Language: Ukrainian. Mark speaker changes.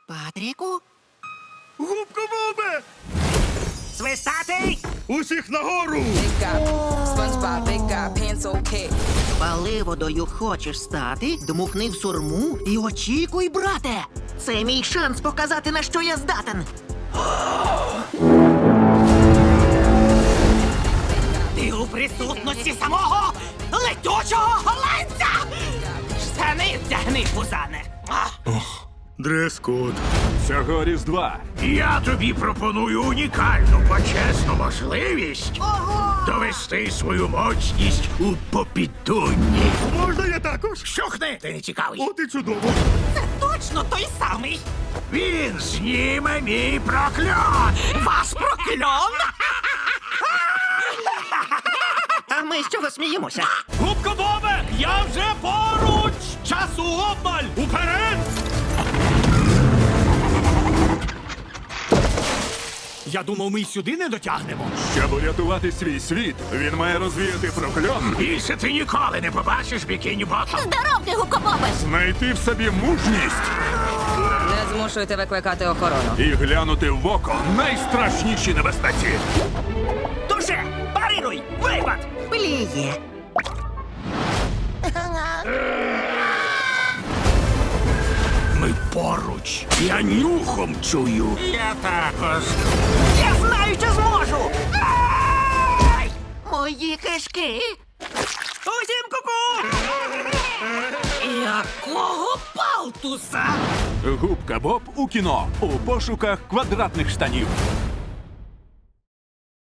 Speaker 1: Патріку?
Speaker 2: Губка Бобе!
Speaker 1: Свистатий!
Speaker 2: Усіх нагору!
Speaker 3: Big guy, SpongeBob, big guy, pants okay.
Speaker 1: Паливодою хочеш стати, дмухни в сурму і очікуй, брате! Це мій шанс показати, на що я здатен. Ти у присутності самого летючого голландця! Штани вдягни, пузане!
Speaker 2: Дрес-код.
Speaker 4: Цього Різдва
Speaker 5: Я тобі пропоную унікальну почесну можливість
Speaker 1: Ого!
Speaker 5: довести свою моцність у попідунні.
Speaker 2: Можна я також?
Speaker 5: Щухни, ти не цікавий.
Speaker 2: От і чудово.
Speaker 1: Це точно той самий!
Speaker 5: Він зніме мій прокльон.
Speaker 1: Ваш прокльон! А ми з чого сміємося?
Speaker 2: Губка Бобе! Я вже поруч! Часу обмаль! Уперед! Я думав, ми й сюди не дотягнемо.
Speaker 4: щоб урятувати свій світ, він має розвіяти прокльон,
Speaker 5: Більше ти ніколи не побачиш бікіні Ботом.
Speaker 6: Здоров'я, гукобобе!
Speaker 4: знайти в собі мужність
Speaker 3: Не змушуйте викликати охорону.
Speaker 4: і глянути в око найстрашніші небезпеці.
Speaker 1: Туше! Парируй! Випад! Пліє!
Speaker 5: Ми поруч. Я нюхом чую. Я також.
Speaker 1: Я знаю, що зможу! Ай! Мої кишки! Усім ку-ку! Якого палтуса?
Speaker 4: Губка Боб у кіно у пошуках квадратних штанів.